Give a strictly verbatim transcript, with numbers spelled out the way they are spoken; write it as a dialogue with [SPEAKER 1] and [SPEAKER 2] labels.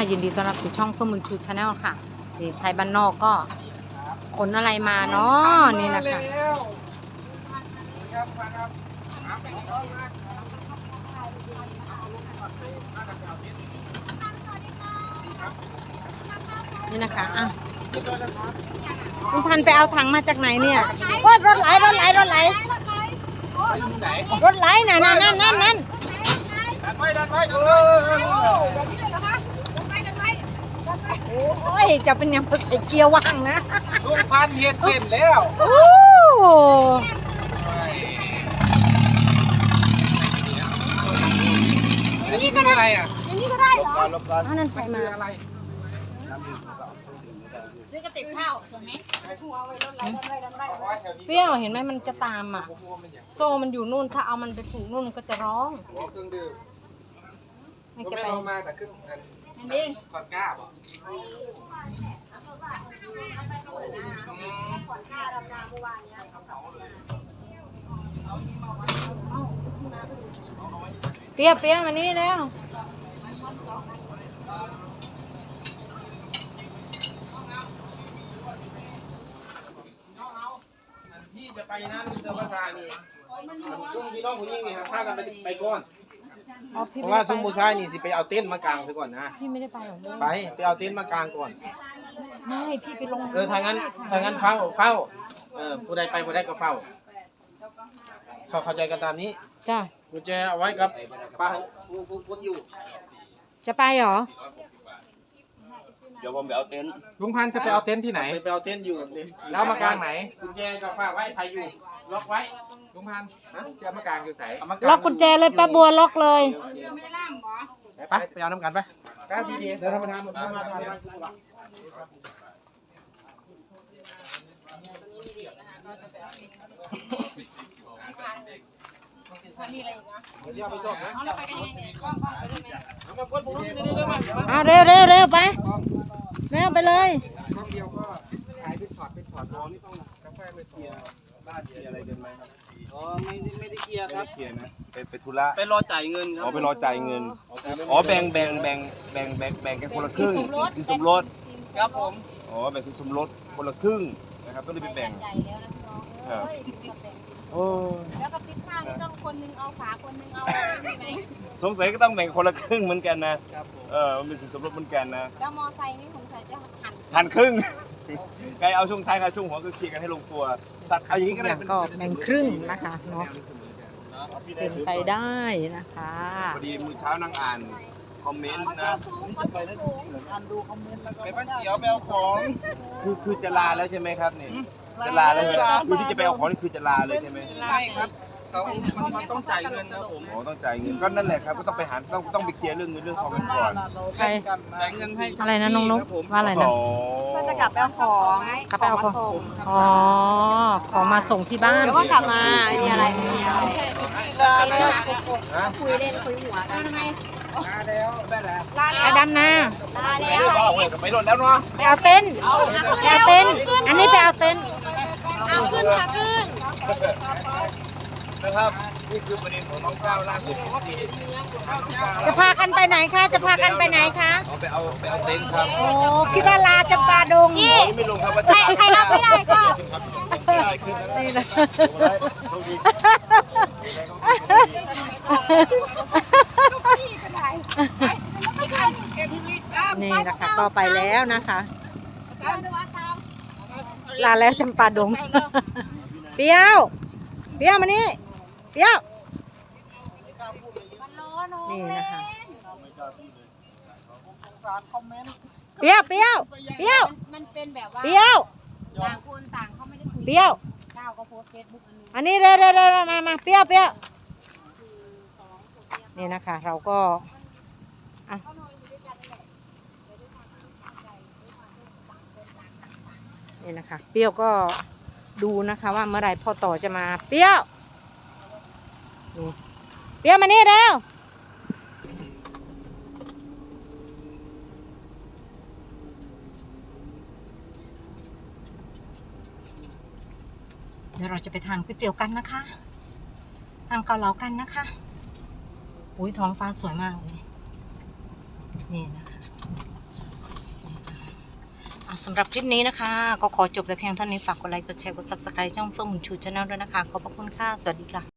[SPEAKER 1] ยินดีต้อนรับสู่ช่องเฟื่องบุญชูชาแนลค่ะนี่ไทยบ้านนอกก็ขนอะไรมาเนาะนี่นะคะนี่นะคะอ่ะคุณพันไปเอาถังมาจากไหนเนี่ยว่ารถไหลรถไหลรถไหลรถไหลน่ะนั่นนั่นนั่นนั่นดันไว้ดันไว้โอ้ยจะเป็นยังใส่เกียร์ว่างนะ
[SPEAKER 2] ลุงพันเฮ็ดเส้นแล้ว
[SPEAKER 1] โอ้
[SPEAKER 2] อันนี้คืออะไรอ่ะ
[SPEAKER 1] อันนี้ก็ได้เหรอลบกันอันนั้นใครมา
[SPEAKER 2] อะไร
[SPEAKER 3] ซื้อกระติกข้าวส่งไหม
[SPEAKER 1] เปรี้ยวเห็นไหมมันจะตามอ่ะโซ่มันอยู่นู่นถ้าเอามันไปผูกนู่นก็จะร้อง
[SPEAKER 2] เครื่องดื่ม
[SPEAKER 1] ไม่แก
[SPEAKER 2] ไปมาแต่ขึ้นอันนี้ก่อนก้าบ่
[SPEAKER 1] เปรี้ยวเปรี้ยวมานี่แล้ว
[SPEAKER 2] พี่จะไปนั่นเซอร์ภาษานี่ลุงพี่น้องผู้หญิงนี่ครับพากันไปไปก่อนเพราะว่าซุมบูชายนี่สิไปเอาเต็นท์มากางซะก่อนนะ
[SPEAKER 1] พี่ไม่ได้ไปหรอก
[SPEAKER 2] ไปไปเอาเต็นท์มากางก่อน
[SPEAKER 1] ไม่พี่ไปลง
[SPEAKER 2] เออทางนั้นทางนั้นเฝ้าเฝ้าเออผู้ใดไปผู้ใดก็เฝ้าเขาเข้าใจกันตามนี้
[SPEAKER 1] จ้ะ
[SPEAKER 2] กุญแจเอาไว้กับป้าผู้ผู้ผู้อยู่
[SPEAKER 1] จะไปเหรอ
[SPEAKER 4] เดี๋ยวผมไปเอาเต็นท์
[SPEAKER 5] ลุงพันธุ์จะไปเอาเต็นท์ที่ไหน
[SPEAKER 2] ไปเอาเต็นท์อยู่
[SPEAKER 5] แล้วมากางไหน
[SPEAKER 2] กุญแจก็ฝากไว้ใครอยู่ล็อกไว้
[SPEAKER 5] ลุงพันธุ์จะมากางอยู่ไหน
[SPEAKER 1] ล็อกกุญแจเลยป้าบัวล็อกเลย
[SPEAKER 2] ไปไปเอาน้ำกันไป
[SPEAKER 5] ก้าวดีๆเดี๋ยวธรรมดาหมดมาท
[SPEAKER 1] เอาเร็วเร็วเร็วไปเร็วไปเลย
[SPEAKER 5] กล้องเดียวก็ถ่ายเป็นช็อตเป็นช็อตอ๋อนี่ต้องกาแฟไปเคลียร์
[SPEAKER 4] บ้านเคลียร์อะไรกันไหมครับ
[SPEAKER 2] อ๋อไม่ไม่ได้เคลียร์ครับ
[SPEAKER 4] เคลียร์นะไปไปธุระ
[SPEAKER 2] ไปรอจ่ายเงินครับ
[SPEAKER 4] อ๋อไปรอจ่ายเงินอ๋อแบ่งแบ่งแบ่งแบ่งแบ่งแบ่งกันคนละครึ่งคือสมรส
[SPEAKER 2] ครับผม
[SPEAKER 4] อ๋อแบ่งคือสมรสคนละครึ่งนะครับก็เลยไปแบ่งครับโอ้
[SPEAKER 3] แล้วกับติ๊บข้าวนี่ต้องคนนึงเอาฝาคนนึงเอาอะไรไหม
[SPEAKER 4] สงสัยก็ต้องแบ่งคนละครึ่งเหมือนกันนะเออมันเป็นสินสมรสเหมือนกันนะ
[SPEAKER 3] แล้วมอไซค์นี่สงสัยจะหั่น
[SPEAKER 4] หั่นครึ่งใครเอาช่วงท้ายใครช่วงหัวก็เคลียร์กันให้ลงตัวสัตว์เอาอย่างนี้ก็ได้
[SPEAKER 1] ก็แบ่งครึ่งนะคะเนาะเป็นไปได้นะคะ
[SPEAKER 4] พอดีมื้อเช้านั่งอ่านคอมเมนต์นะ
[SPEAKER 2] ไปอ่านดูคอมเมนต์แล้วก็ไปบ้านเขียวไปเอาของ
[SPEAKER 4] คือคือจะลาแล้วใช่ไหมครับเนี่ยจะลาแล้วคือที่จะไปเอาของนี่คือจะลาเลยใช่ไหม
[SPEAKER 2] ไม่ครับเขามันมันต้องจ่ายเงินนะผม
[SPEAKER 4] อ๋อต้องจ่ายเงินก็นั่นแหละครับก็ต้องไปหาต้องต้องไปเคลียร์เรื่องเงินเรื่องทองกันก่อน
[SPEAKER 1] ใคร
[SPEAKER 2] จ่ายเงินให้
[SPEAKER 1] อะไรนะน้องนุ๊กว่าอะไรนะ
[SPEAKER 3] ก็จะกลับไปเอาของ
[SPEAKER 1] กลับไปเอาของอ๋อของมาส่งที่บ้าน
[SPEAKER 3] แล้วก็กลับมามีอะไรมีอะไรคุยเล่นคุยหัวกันทำไม
[SPEAKER 2] ลาแล้วได้แล้ว
[SPEAKER 1] ไปดำนา
[SPEAKER 3] ลาแล้ว
[SPEAKER 4] ไปรถแล้วเนาะ
[SPEAKER 1] ไปเอาเต็นท์ไปเอาเต็นท์อันนี้ไปเอาเต็นท์
[SPEAKER 3] เอาขึ้นค่ะขึ้น
[SPEAKER 4] นะครับนี่คือประเด็นของน้องก้าวล่าสุด
[SPEAKER 1] จะพากันไปไหนคะจะพากันไปไหนคะ
[SPEAKER 4] เอาไปเอาไปเอาเต็นท์ครับ
[SPEAKER 1] โอ้คิดว่าลาจำปาดง
[SPEAKER 3] นี่
[SPEAKER 4] ไม่ลงครับว่า
[SPEAKER 3] ใครรับไม่ได้ก็
[SPEAKER 1] นี่นะนี่นะคะก็ไปแล้วนะคะลาแล้วจำปาดงเปรี้ยวเปรี้ยวมานี่เปรี้ยวนี่นะคะเปรี้ยวเปรี้ยวเปรี้ยว
[SPEAKER 3] มันเป็นแบบว่า
[SPEAKER 1] เปรี้ยว
[SPEAKER 3] ต่างคนต่างเขาไม่ได้คุย
[SPEAKER 1] เปรี้ยว
[SPEAKER 3] ก้าวก็โพสเฟซบุ๊ก
[SPEAKER 1] อันนี้เร็วเร็วเร็วมามาเปรี้ยวเปรี้ยวนี่นะคะเราก็นี่นะคะเปรี้ยวก็ดูนะคะว่าเมื่อไรพ่อต่อจะมาเปรี้ยวนี่เปรี้ยวมานี่เร็วเดี๋ยวเราจะไปทานก๋วยเตี๋ยวกันนะคะทานเกาเหลากันนะคะ อุ้ยท้องฟ้าสวยมากเลยนี่นะคะสำหรับคลิปนี้นะคะก็ขอจบแต่เพียงเท่านี้ฝากกดไลค์กดแชร์กด ซับสไครบ์ ช่องเฟื่องบุญชูชาแนลด้วยนะคะขอบพระคุณค่ะสวัสดีค่ะ